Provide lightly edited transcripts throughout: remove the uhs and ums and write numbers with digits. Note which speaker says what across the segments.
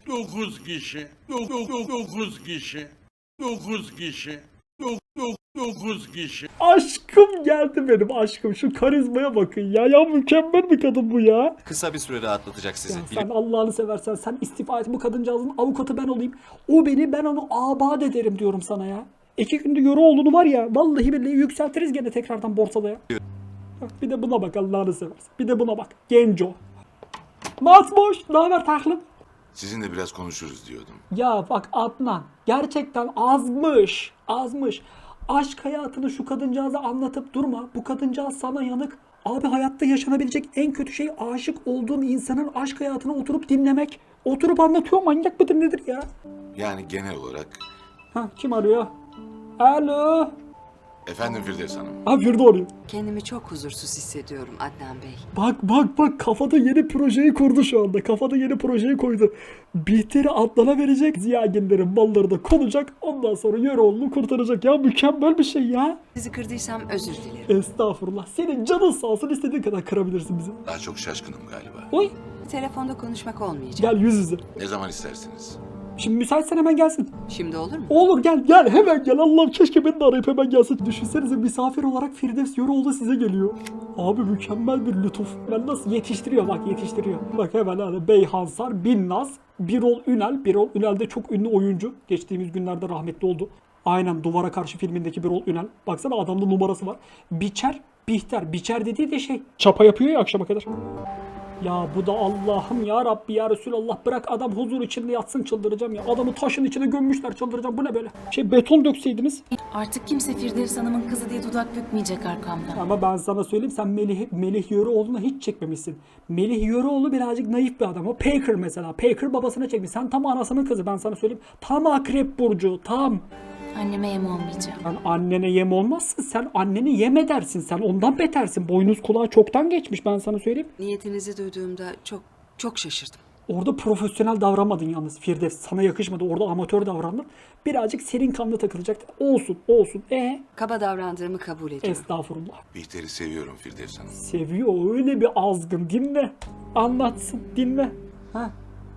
Speaker 1: 9 kişi. 9 kişi. 9 kişi. 9 kişi.
Speaker 2: Aşkım geldi benim aşkım. Şu karizmaya bakın ya. Ya mükemmel bir kadın bu ya.
Speaker 3: Kısa bir süre rahatlatacak sizi.
Speaker 2: Ya sen Allah'ını seversen sen istifa et, bu kadıncağızın avukatı ben olayım. O beni, ben onu abat ederim diyorum sana ya. 2 günde Euroğlu'nu var ya vallahi billahi yükseltiriz gene tekrardan borsada ya. Bak, bir de buna bak Allah'ını seversen. Bir de buna bak. Genco. Matboş. Ne haber taklım?
Speaker 4: Sizinle biraz konuşuruz diyordum.
Speaker 2: Ya bak Adnan gerçekten azmış. Azmış. Aşk hayatını şu kadıncağıza anlatıp durma. Bu kadıncağız sana yanık. Abi hayatta yaşanabilecek en kötü şey aşık olduğun insanın aşk hayatını oturup dinlemek. Oturup anlatıyor, manyak mıdır nedir ya?
Speaker 4: Yani genel olarak...
Speaker 2: Ha, kim arıyor? Alo.
Speaker 4: Efendim Firdevs Hanım.
Speaker 2: Ha, Firde arıyor.
Speaker 5: Kendimi çok huzursuz hissediyorum Adnan Bey.
Speaker 2: Bak kafada yeni projeyi kurdu şu anda. Kafada yeni projeyi koydu. Bihter'i Adnan'a verecek. Ziyagenlerin malları da konacak. Ondan sonra Yöreoğlu'nu kurtaracak. Ya mükemmel bir şey ya.
Speaker 5: Sizi kırdıysam özür dilerim.
Speaker 2: Estağfurullah. Senin canın sağ olsun, istediğin kadar kırabilirsin bizi.
Speaker 4: Daha çok şaşkınım galiba.
Speaker 2: Oy.
Speaker 5: Telefonda konuşmak olmayacak.
Speaker 2: Gel yüz yüze.
Speaker 4: Ne zaman istersiniz?
Speaker 2: Şimdi müsaitsen hemen gelsin.
Speaker 5: Şimdi olur mu?
Speaker 2: Olur gel hemen gel. Allah'ım keşke beni de arayıp hemen gelsin. Düşünsenize misafir olarak Firdevs Yöreoğlu size geliyor. Abi mükemmel bir lütuf. Ben nasıl yetiştiriyor bak yetiştiriyor. Bak hemen hani Beyhansar, Binnaz, Birol Ünal. Birol Ünal de çok ünlü oyuncu. Geçtiğimiz günlerde rahmetli oldu. Aynen Duvara Karşı filmindeki Birol Ünal. Baksana adamda numarası var. Biçer, Bihter. Biçer dediği de şey. Çapa yapıyor ya akşama kadar. Ya bu da Allah'ım ya Rabbi ya Resulallah, bırak adam huzur içinde yatsın, çıldıracağım ya. Adamı taşın içine gömmüşler, çıldıracağım. Bu ne böyle? Beton dökseydiniz.
Speaker 6: Artık kimse Firdevs Hanım'ın kızı diye dudak bükmeyecek arkamdan.
Speaker 2: Ama ben sana söyleyeyim, sen Melih Yöreoğlu'na hiç çekmemişsin. Melih Yöreoğlu birazcık naif bir adam. O Packer mesela. Packer babasına çekmiş. Sen tam anasının kızı, ben sana söyleyeyim. Tam akrep burcu tam.
Speaker 6: Anneme yem olmayacağım.
Speaker 2: Sen annene yem olmazsın. Sen anneni yem edersin. Sen ondan betersin. Boynuz kulağı çoktan geçmiş, ben sana söyleyeyim.
Speaker 5: Niyetinizi duyduğumda çok şaşırdım.
Speaker 2: Orada profesyonel davranmadın yalnız Firdevs. Sana yakışmadı. Orada amatör davrandın. Birazcık serin kanlı takılacaktı. Olsun.
Speaker 5: Kaba davrandığımı kabul ediyorum.
Speaker 2: Estağfurullah.
Speaker 4: Bihter'i seviyorum Firdevs Hanım.
Speaker 2: Seviyor, öyle bir azgın. Dinle. Anlatsın. Dinle. Ha.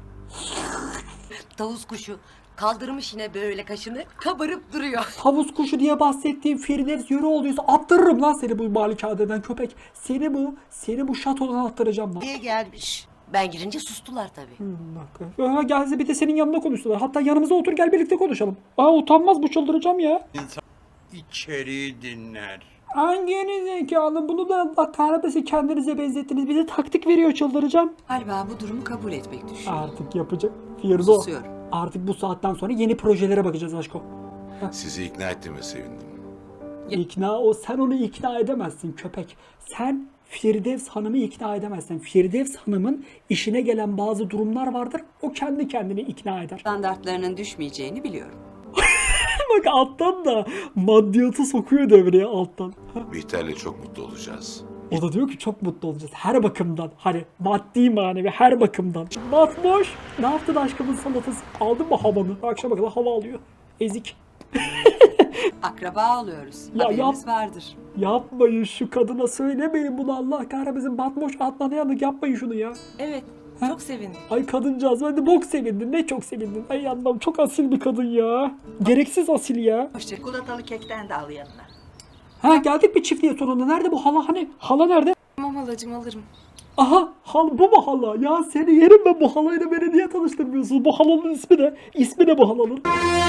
Speaker 7: Tavus kuşu kaldırmış yine böyle kaşını, kabarıp duruyor.
Speaker 2: Tavus kuşu diye bahsettiğim Firdevs Yöreoğlu'ysa attırırım lan seni bu malikadeden köpek. Seni bu şatodan attıracağım lan.
Speaker 7: Diye gelmiş. Ben girince sustular tabii.
Speaker 2: Bak. Gelse bir de senin yanında konuştular. Hatta yanımıza otur, gel birlikte konuşalım. Utanmaz bu, çıldıracağım ya.
Speaker 1: İnsan içeriği dinler.
Speaker 2: Hanginiz zekalı, bunu da Allah kahretmesin kendinize benzettiniz. Bize taktik veriyor, çıldıracağım.
Speaker 5: Galiba bu durumu kabul etmek düşüyor.
Speaker 2: Artık yapacak. Firdo.
Speaker 5: Susuyorum.
Speaker 2: Artık bu saatten sonra yeni projelere bakacağız aşko.
Speaker 4: Sizi ikna ettiğime sevindim.
Speaker 2: Sen onu ikna edemezsin köpek. Sen Firdevs Hanım'ı ikna edemezsin. Firdevs Hanım'ın işine gelen bazı durumlar vardır. O kendi kendini ikna eder.
Speaker 5: Standartlarının düşmeyeceğini biliyorum.
Speaker 2: Bak alttan da maddiyatı sokuyor devreye alttan.
Speaker 4: Bihter'le çok mutlu olacağız.
Speaker 2: O da diyor ki çok mutlu olacağız her bakımdan. Hani maddi manevi her bakımdan. Matboş. Ne yaptın aşkımın salatası? Aldın mı havanı? Akşama kadar hava alıyor. Ezik.
Speaker 5: Akraba oluyoruz.
Speaker 2: Ya
Speaker 5: Haberimiz vardır.
Speaker 2: Yapmayın, şu kadına söylemeyin bunu, Allah kahretmesin. Matboş Adnan'a yanık yapmayın şunu ya.
Speaker 7: Evet, çok sevindim.
Speaker 2: Ay kadıncağız, ben de bok sevindin, ne çok sevindin. Ay anlam, çok asil bir kadın ya. Gereksiz asil ya.
Speaker 7: Çikolatalı kekten de al yanına.
Speaker 2: Ha, geldik bir çiftliğe sonunda. Nerede bu hala hani? Hala nerede?
Speaker 6: Tamam halacığım alırım.
Speaker 2: Aha, bu mu hala? Ya seni yerim ben, bu halayla beni niye tanıştırmıyorsun? Bu halanın ismi ne? İsmi ne bu halanın?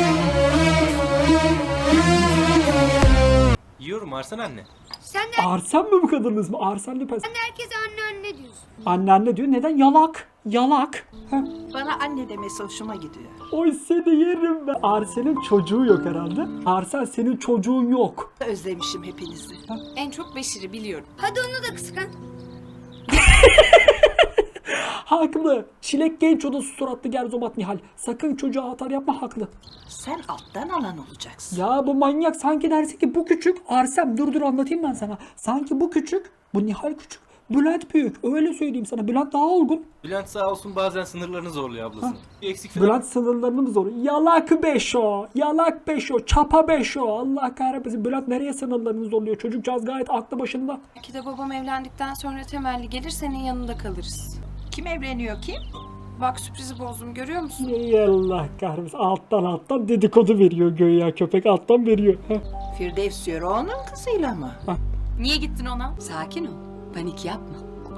Speaker 8: Yiyorum Arsen anne.
Speaker 9: Sen de
Speaker 2: Arsen mi bu kadının ismi? Arsen Lüpes.
Speaker 9: herkese anne diyorsun.
Speaker 2: Anne diyor. Neden? Yalak. Ha.
Speaker 7: Bana anne demesi hoşuma gidiyor.
Speaker 2: Oy seni yerim ben. Arsen'in çocuğu yok herhalde. Arsen, senin çocuğun yok.
Speaker 7: Özlemişim hepinizi.
Speaker 6: En çok Beşir'i biliyorum.
Speaker 9: Hadi onu da kıskan.
Speaker 2: Haklı. Çilek genç odası suratlı Gerzomat Nihal. Sakın çocuğa atar yapma, haklı.
Speaker 7: Sen alttan alan olacaksın.
Speaker 2: Ya bu manyak sanki dersi ki bu küçük. Arsem dur anlatayım ben sana. Sanki bu küçük. Bu Nihal küçük. Bülent büyük. Öyle söyleyeyim sana. Bülent daha olgun.
Speaker 8: Bülent sağ olsun bazen sınırlarını zorluyor ablası. Bir eksik falan.
Speaker 2: Bülent sınırlarını mı zor? Yalak beşo. Çapa beşo. Allah kahretmesin. Bülent nereye sınırlarını zorluyor? Çocukcağız gayet aklı başında.
Speaker 6: Belki de babam evlendikten sonra temelli gelir senin yanında kalırız.
Speaker 7: Kim evleniyor kim?
Speaker 3: Bak sürprizi bozdum görüyor musun?
Speaker 2: Ey Allah kahretsin. Alttan dedikodu veriyor göğe köpek alttan veriyor. Heh.
Speaker 5: Firdevs yürü onun kızıyla mı?
Speaker 3: Niye gittin ona?
Speaker 5: Sakin ol. Panik yapma.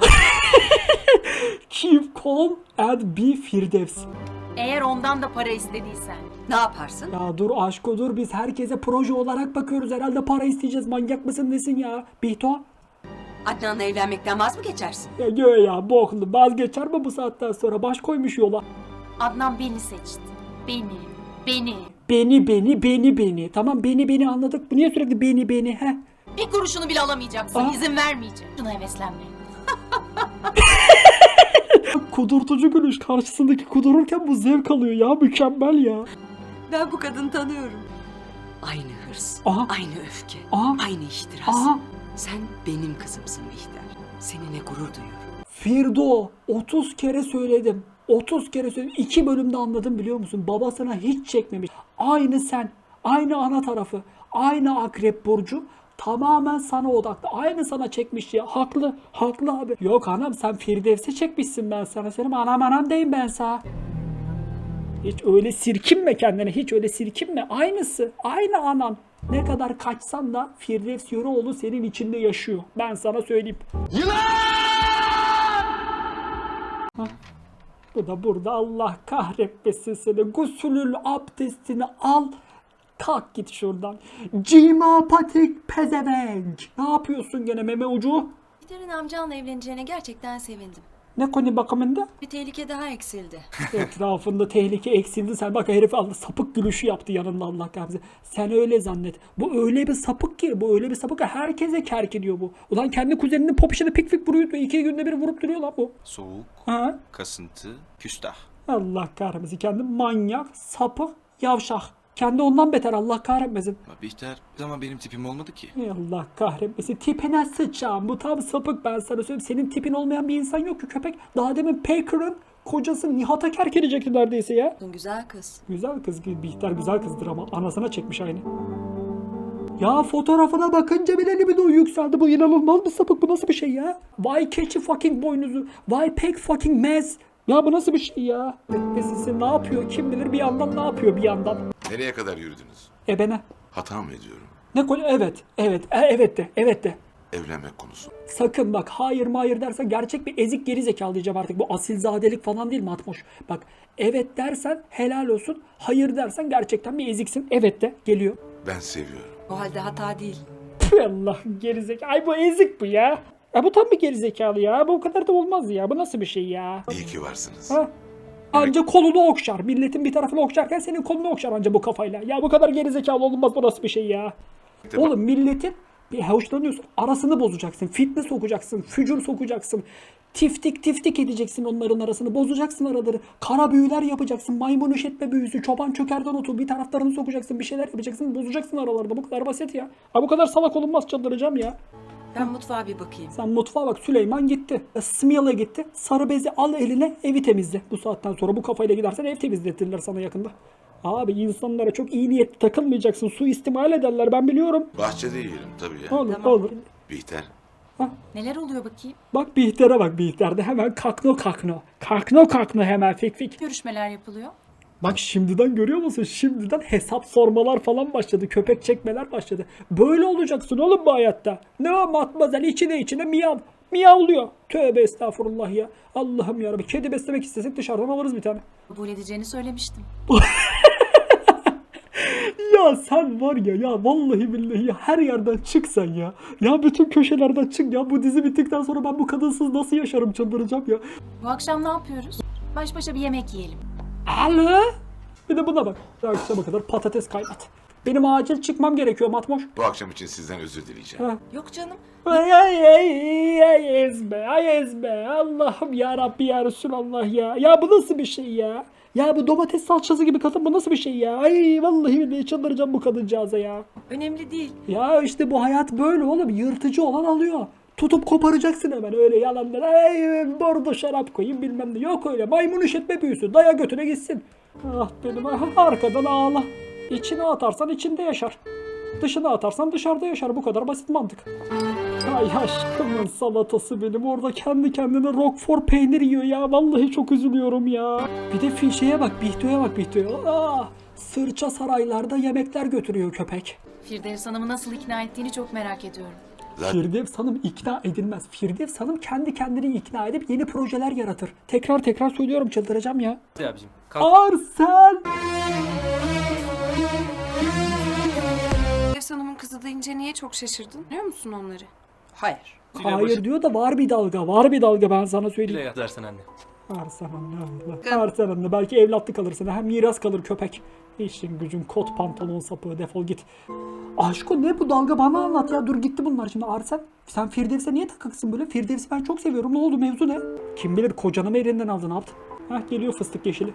Speaker 2: Keep calm and be Firdevs.
Speaker 6: Eğer ondan da para istediysen.
Speaker 5: Ne yaparsın?
Speaker 2: Ya dur aşko dur biz herkese proje olarak bakıyoruz. Herhalde para isteyeceğiz. Manyak mısın nesin ya? Bihto?
Speaker 5: Adnan'la evlenmekten vaz mı geçersin?
Speaker 2: Ya göğe ya boklu. Vazgeçer mi bu saatten sonra? Baş koymuş yola.
Speaker 6: Adnan beni seçti. Beni.
Speaker 2: Beni. Tamam beni anladık. Bu niye sürekli beni he?
Speaker 6: Bir kuruşunu bile alamayacaksın.
Speaker 2: Aa.
Speaker 6: İzin vermeyeceğim. Şuna heveslenme.
Speaker 2: Kudurtucu gülüş. Karşısındaki kudururken bu zevk alıyor ya. Mükemmel ya.
Speaker 5: Ben bu kadını tanıyorum. Aynı hırs,
Speaker 2: Aha.
Speaker 5: aynı öfke,
Speaker 2: Aha.
Speaker 5: aynı ihtiras.
Speaker 2: Aha.
Speaker 5: Sen benim kızımsın Bihter. Seninle gurur duyuyorum.
Speaker 2: Firdo 30 kere söyledim. 30 kere söyledim. 2 bölümde anladım biliyor musun? Babasına hiç çekmemiş. Aynı sen. Aynı ana tarafı. Aynı akrep burcu. Tamamen sana odaklı. Aynı sana çekmiş ya. Haklı. Haklı abi. Yok anam sen Firdevs'e çekmişsin ben sana. Senin anam deyim ben sana. Hiç öyle sirkinme kendine. Hiç öyle sirkinme. Aynısı. Aynı anan. Ne kadar kaçsan da Firdevs Yöreoğlu senin içinde yaşıyor. Ben sana söyleyeyim. Bu da burada Allah kahretmesin seni. Gusülül abdestini al. Kalk git şuradan. Cimapatik pezevenk. Ne yapıyorsun gene meme ucu?
Speaker 3: Peter'in amcanla evleneceğine gerçekten sevindim.
Speaker 2: Ne konu bakımında?
Speaker 3: Bir tehlike daha eksildi.
Speaker 2: Etrafında tehlike eksildi. Sen bak herif aldı sapık gülüşü yaptı yanında Allah kahretsin. Sen öyle zannet. Bu öyle bir sapık ki. Bu öyle bir sapık ki herkese kerk ediyor bu. Ulan kendi kuzeninin popişini pik pik vuruyor. 2 günde bir vurup duruyor lan bu.
Speaker 10: Soğuk,
Speaker 2: Ha?
Speaker 10: kasıntı, küstah.
Speaker 2: Allah kahretmesin. Kendi manyak, sapık, yavşak. Kendi ondan beter Allah kahretmesin.
Speaker 10: Bihter ama benim tipim olmadı ki.
Speaker 2: Ey Allah kahretmesin. Tipine sıçacağım. Bu tam sapık ben sana söyleyeyim. Senin tipin olmayan bir insan yok ki köpek. Daha demin Packer'ın kocası Nihat'a kerk edecekti neredeyse ya.
Speaker 5: Güzel kız.
Speaker 2: Güzel kız. Bihter güzel kızdır ama anasına çekmiş aynı. Ya fotoğrafına bakınca bile libido yükseldi. Bu inanılmaz bir sapık. Bu nasıl bir şey ya? Why catchy fucking boynuzu? Why pek fucking mess? Ya bu nasıl bir şey ya? Beklesin ne yapıyor kim bilir bir yandan ne yapıyor bir yandan.
Speaker 4: Nereye kadar yürüdünüz?
Speaker 2: Ebene.
Speaker 4: Hata mı ediyorum?
Speaker 2: Ne konu? Evet de.
Speaker 4: Evlenmek konusu.
Speaker 2: Sakın bak hayır dersen gerçek bir ezik geri zekalı diyeceğim artık. Bu asilzadelik falan değil Matmoş. Bak evet dersen helal olsun. Hayır dersen gerçekten bir eziksin. Evet de geliyor.
Speaker 4: Ben seviyorum.
Speaker 5: O halde hata değil.
Speaker 2: Tüh Allah gerizekalı. Ay bu ezik bu ya. Ya bu tam bir gerizekalı ya. Bu kadar da olmaz ya. Bu nasıl bir şey ya?
Speaker 4: İyi ki varsınız.
Speaker 2: Ha? Anca kolunu okşar. Milletin bir tarafını okşarken senin kolunu okşar anca bu kafayla. Ya bu kadar gerizekalı olmaz bu nasıl bir şey ya? Oğlum milletin bir hoşlanıyorsun. Arasını bozacaksın. Fitne sokacaksın. Fücur sokacaksın. Tiftik edeceksin onların arasını. Bozacaksın araları. Kara büyüler yapacaksın. Maymun üşetme büyüsü. Çoban çökerden otu. Bir taraflarını sokacaksın. Bir şeyler yapacaksın. Bozacaksın aralarda. Bu kadar basit ya. Ha bu kadar salak olunmaz çıldıracağım ya.
Speaker 5: Ben mutfağa bir bakayım.
Speaker 2: Sen mutfağa bak Süleyman gitti. Smiyal'a gitti. Sarı bezi al eline evi temizle. Bu saatten sonra bu kafayla gidersen ev temizletirler sana yakında. Abi insanlara çok iyi niyetli takılmayacaksın. Suistimal ederler ben biliyorum.
Speaker 4: Bahçede yiyelim tabii ya.
Speaker 2: Olur.
Speaker 4: Bihter.
Speaker 6: Neler oluyor bakayım?
Speaker 2: Bak Bihter'e bak Bihter'de hemen kakno. Kakno hemen fik.
Speaker 6: Görüşmeler yapılıyor.
Speaker 2: Bak şimdiden görüyor musun? Şimdiden hesap sormalar falan başladı. Köpek çekmeler başladı. Böyle olacaksın oğlum bu hayatta. Ne o matmazel içine miyav. Miyavlıyor. Tövbe estağfurullah ya. Allah'ım yarabbim. Kedi beslemek istesek dışarıdan alırız bir tane.
Speaker 6: Kabul edeceğini söylemiştim.
Speaker 2: Ya sen var ya vallahi billahi ya her yerden çık sen ya. Ya bütün köşelerden çık ya. Bu dizi bittikten sonra ben bu kadınsız nasıl yaşarım çıldıracağım ya.
Speaker 6: Bu akşam ne yapıyoruz? Baş başa bir yemek yiyelim.
Speaker 2: Alo? Bir de buna bak. Akşama kadar patates kaynat. Benim acil çıkmam gerekiyor Matmoş.
Speaker 4: Bu akşam için sizden özür dileyeceğim.
Speaker 2: Ha.
Speaker 5: Yok canım.
Speaker 2: Ay ezbe. Allah'ım ya Rabbi ya Resulallah ya. Ya bu nasıl bir şey ya? Ya bu domates salçası gibi kadın bu nasıl bir şey ya? Ay vallahi billahi çıldıracağım bu kadıncağıza ya.
Speaker 5: Önemli değil.
Speaker 2: Ya işte bu hayat böyle oğlum. Yırtıcı olan alıyor. Tutup koparacaksın hemen öyle yalanlar. Ay bordo şarap koyayım bilmem ne. Yok öyle maymun üşetme büyüsü. Daya götüne gitsin. Ah benim arkadan ağla. İçine atarsan içinde yaşar. Dışına atarsan dışarıda yaşar. Bu kadar basit mantık. Ay aşkımın salatası benim. Orada kendi kendine Roquefort peynir yiyor ya. Vallahi çok üzülüyorum ya. Bir de fişeye bak. Bihto'ya bak Bihto'ya. Sırça saraylarda yemekler götürüyor köpek.
Speaker 6: Firdevs Hanım'ı nasıl ikna ettiğini çok merak ediyorum.
Speaker 4: Zaten
Speaker 2: Firdevs Hanım ikna edilmez. Firdevs Hanım kendi kendini ikna edip yeni projeler yaratır. Tekrar söylüyorum, çıldıracağım ya.
Speaker 8: Hadi abicim. Kalk.
Speaker 2: Arsel!
Speaker 3: Firdevs Hanım'ın kızı deyince niye çok şaşırdın? Biliyor musun onları?
Speaker 7: Hayır.
Speaker 2: Hayır diyor da var bir dalga. Var bir dalga, ben sana
Speaker 8: Bile
Speaker 2: söyleyeyim.
Speaker 8: yazarsın anne.
Speaker 2: Arsel anne Allah. Arsel anne, belki evlatlık alır sana. Hem miras kalır köpek. İşin gücün kot pantolon sapığı, defol git. Aşko ne bu dalga, bana anlat ya. Dur gitti bunlar şimdi. Arsel sen Firdevs'e niye takıksın böyle? Firdevs'i ben çok seviyorum. Ne oldu, mevzu ne? Kim bilir kocanı mı elinden aldın, ne yaptın? Hah geliyor fıstık yeşili.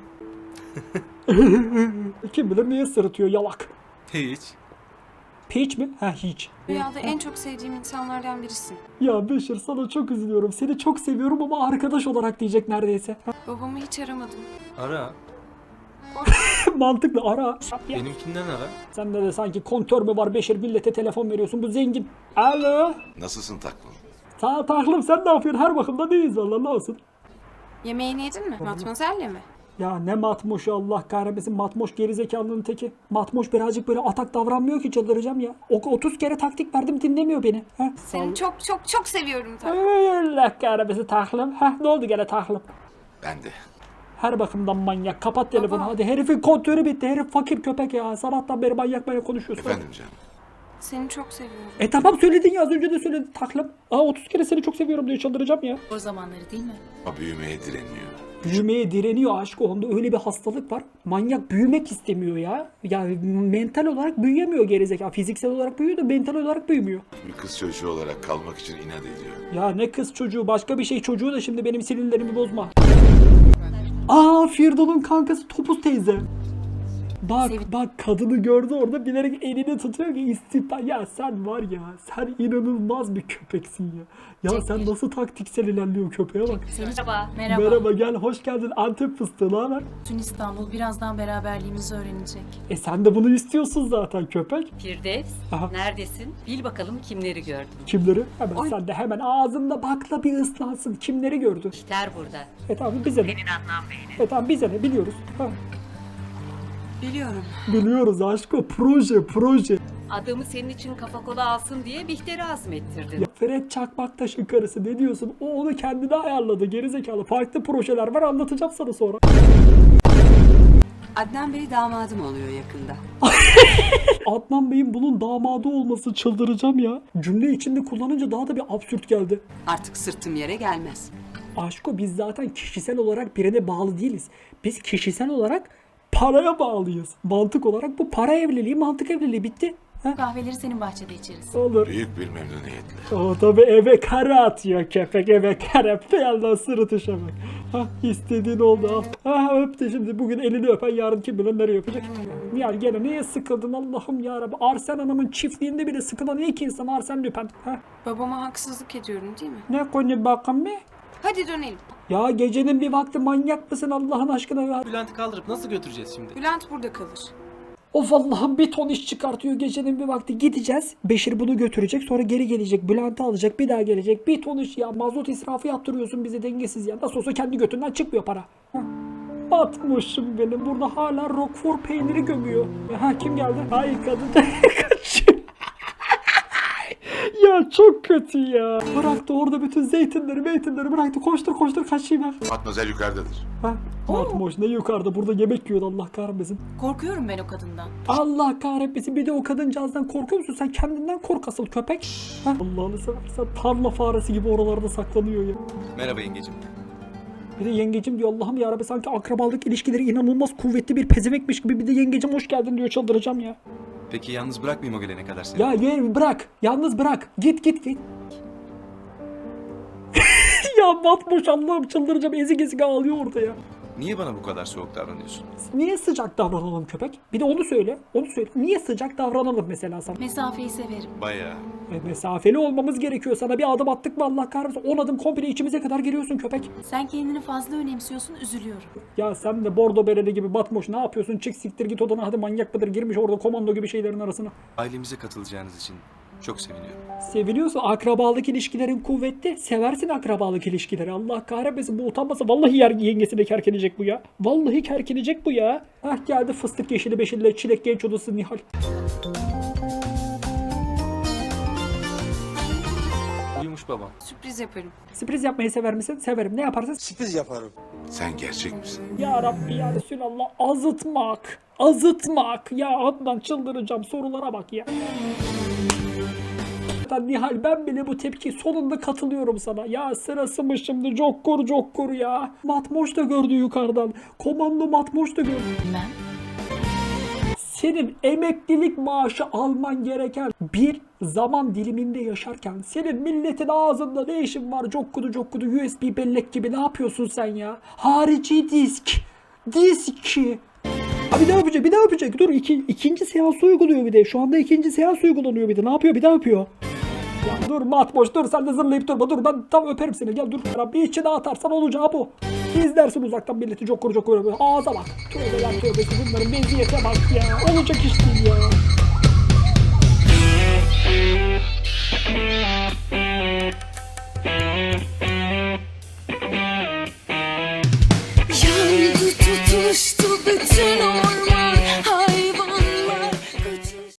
Speaker 2: Kim bilir niye sırıtıyor yalak.
Speaker 8: Hiç.
Speaker 2: Peach mi? Ha hiç.
Speaker 3: Rüyada en çok sevdiğim insanlardan birisin.
Speaker 2: Ya Beşir sana çok üzülüyorum. Seni çok seviyorum ama arkadaş olarak diyecek neredeyse.
Speaker 3: Babamı hiç aramadım.
Speaker 8: Ara.
Speaker 2: Mantıklı, ara.
Speaker 8: Benimkinden ara.
Speaker 2: Sende de sanki kontör mü var Beşir, millete telefon veriyorsun, bu zengin. Alo.
Speaker 4: nasılsın taklım?
Speaker 2: Sağ taklım, sen ne yapıyorsun? Her bakımda değiliz valla, ne olsun.
Speaker 3: Yemeğini yedin mi? Matmazel'le mi?
Speaker 2: Ya ne matmoşu, Allah kahretmesin, matmoş gerizekalının teki. Matmoş birazcık böyle atak davranmıyor ki, çıldıracağım ya. 30 kere taktik verdim, dinlemiyor beni. Heh,
Speaker 3: Seni çok seviyorum tabii.
Speaker 2: Allah kahretmesin taklım. Heh, ne oldu gene taklım?
Speaker 4: Ben de.
Speaker 2: Her bakımdan manyak. Kapat telefonu
Speaker 3: Baba.
Speaker 2: hadi. Herifin kontörü bitti. Herif fakir köpek ya. Sabahtan beri manyak konuşuyorsun.
Speaker 4: Efendim canım.
Speaker 3: Seni çok seviyorum.
Speaker 2: Tamam söyledin ya, az önce de söyledin taklım. 30 kere seni çok seviyorum diye çıldıracağım ya.
Speaker 6: O zamanları değil mi?
Speaker 4: Ama büyümeye direniyor.
Speaker 2: Büyümeye direniyor aşk, onda öyle bir hastalık var. Manyak büyümek istemiyor ya. Ya mental olarak büyüyemiyor gerizekalı. Fiziksel olarak büyüyor da mental olarak büyümüyor.
Speaker 4: Bir kız çocuğu olarak kalmak için inat ediyor.
Speaker 2: Ya ne kız çocuğu, başka bir şey çocuğu da, şimdi benim sinirlerimi bozma. Firdon'un kankası Topuz teyze. Bak kadını gördü orada, bilerek elini tutuyor ki istihbar. Ya sen var ya, sen inanılmaz bir köpeksin ya. Ya sen nasıl taktiksel ilerliyor, köpeğe bak.
Speaker 6: Merhaba.
Speaker 2: Merhaba, gel, hoş geldin Antep fıstığı, ne haber?
Speaker 6: Bütün İstanbul birazdan beraberliğimizi öğrenecek.
Speaker 2: Sen de bunu istiyorsun zaten köpek.
Speaker 7: Firdevs,
Speaker 2: Aha.
Speaker 7: neredesin? Bil bakalım kimleri gördün.
Speaker 2: Kimleri? Hemen sen de hemen ağzında bakla bir ıslansın. Kimleri gördün?
Speaker 7: İhter burada.
Speaker 2: Tamam bize ne? Tamam bize ne, biliyoruz. Ha.
Speaker 3: Biliyorum.
Speaker 2: Biliyoruz aşko, proje.
Speaker 7: Adamı senin için kafa kola alsın diye Bihter'i azmettirdin.
Speaker 2: Ya Fred Çakmaktaş'ın karısı, ne diyorsun? O onu kendine ayarladı gerizekalı. Farklı projeler var, anlatacağım sana sonra.
Speaker 5: Adnan Bey damadım oluyor yakında.
Speaker 2: Adnan Bey'in bunun damadı olması, çıldıracağım ya. Cümle içinde kullanınca daha da bir absürt geldi.
Speaker 5: Artık sırtım yere gelmez.
Speaker 2: Aşko biz zaten kişisel olarak birine bağlı değiliz. Biz kişisel olarak paraya bağlıyız. Mantık olarak bu para evliliği, mantık evliliği, bitti.
Speaker 6: Kahveleri senin bahçede içeriz.
Speaker 2: Olur.
Speaker 4: Büyük bir memnuniyetle.
Speaker 2: O tabi eve kara atıyor köpek, eve kara. Bir yandan sırıtışa bak. İstediğin oldu al. Öptü şimdi, bugün elini öpen yarın kim bilir nereye öpecek. Ya gene niye sıkıldın Allah'ım yarabbi. Arsen Hanım'ın çiftliğinde bile sıkılan ilk insan Arsen Lüpen.
Speaker 3: Babama haksızlık ediyorum değil mi?
Speaker 2: Ne konu bakın be?
Speaker 3: Hadi dönelim.
Speaker 2: Ya gecenin bir vakti manyak mısın Allah'ın aşkına ya?
Speaker 8: Bülent'i kaldırıp nasıl götüreceğiz şimdi?
Speaker 3: Bülent burada kalır.
Speaker 2: Of Allah'ım, bir ton iş çıkartıyor gecenin bir vakti. Gideceğiz. Beşir bunu götürecek, sonra geri gelecek. Bülent'i alacak, bir daha gelecek. Bir ton iş ya. Mazot israfı yaptırıyorsun bize, dengesiz ya. Nasıl olsa kendi götünden çıkmıyor para. Batmışım benim. Burada hala Roquefort peyniri gömüyor. Kim geldi? Ay kadın. Kaçıyor. Ya çok kötü ya. Bıraktı orada bütün zeytinleri bıraktı. Koştur kaçayım ben.
Speaker 4: Matmazel yukarıdadır.
Speaker 2: Matmoş ne yukarıda, burada yemek yiyor, Allah kahretmesin.
Speaker 6: Korkuyorum ben o kadından.
Speaker 2: Allah kahretmesin, bir de o kadıncağızdan korkuyor musun? Sen kendinden kork asıl köpek. Allah'ını seversen tarla faresi gibi oralarda saklanıyor ya.
Speaker 10: Merhaba yengecim.
Speaker 2: Bir de yengecim diyor, Allah'ım yarabbim, sanki akrabalık ilişkileri inanılmaz kuvvetli bir pezemekmiş gibi, bir de yengecim hoş geldin diyor, çıldıracağım ya.
Speaker 10: Peki yalnız bırakmayayım o gelene kadar seni.
Speaker 2: Ya gel bırak, yalnız bırak, git. Ya Batmoş, Allah'ım çıldıracağım, ezik ağlıyor orada ya.
Speaker 10: Niye bana bu kadar soğuk davranıyorsun?
Speaker 2: Niye sıcak davranalım köpek? Bir de onu söyle. Onu söyle. Niye sıcak davranalım mesela sana?
Speaker 6: Mesafeyi severim.
Speaker 10: Bayağı.
Speaker 2: Mesafeli olmamız gerekiyor. Sana bir adım attık mı Allah kahretsin. 10 adım komple içimize kadar geliyorsun köpek.
Speaker 6: Sen kendini fazla önemsiyorsun, üzülüyorum.
Speaker 2: Ya sen de bordo bereli gibi batmoş ne yapıyorsun? Çık siktir git odana, hadi manyak mıdır? Girmiş orada komando gibi şeylerin arasına.
Speaker 10: Ailemize katılacağınız için çok seviniyorum.
Speaker 2: Seviliyorsa akrabalık ilişkilerin kuvvetli. Seversin akrabalık ilişkileri. Allah kahretmesin, bu utanmasa vallahi yengesine kerkenecek bu ya. Vallahi kerkenecek bu ya. Hah geldi fıstık yeşili beşille çilek genç odası Nihal.
Speaker 8: Uyumuş babam.
Speaker 3: Sürpriz yaparım.
Speaker 2: Sürpriz yapmayı sever misin? Severim. Ne yaparsın?
Speaker 4: Sen gerçek misin?
Speaker 2: Ya Rabbi ya Resulallah, azıtmak. Azıtmak. Ya Adnan çıldıracağım, sorulara bak ya. Nihal ben bile bu tepki sonunda katılıyorum sana. Ya sırası mı şimdi? Cokkur ya. Matmoş da gördü yukarıdan. Komando Matmoş da gördü.
Speaker 6: Bilmem.
Speaker 2: Senin emeklilik maaşı alman gereken bir zaman diliminde yaşarken senin milletin ağzında ne işin var? Cokkudu USB bellek gibi ne yapıyorsun sen ya? Harici disk. Abi ne yapacak? Bir daha yapacak. Dur ikinci seans uyguluyor bir de. Şu anda ikinci seans uygulanıyor bir de. Ne yapıyor? Bir daha yapıyor. Ya dur Matmoş dur, sen de zırlayıp durma. Dur ben tam öperim seni. Gel dur. Bir içine atarsan olacağı bu. İzlersin uzaktan milleti cokkur. Ağza bak. Tövbeler tövbesi, bunların meziyete bak ya. Olacak iş değil ya.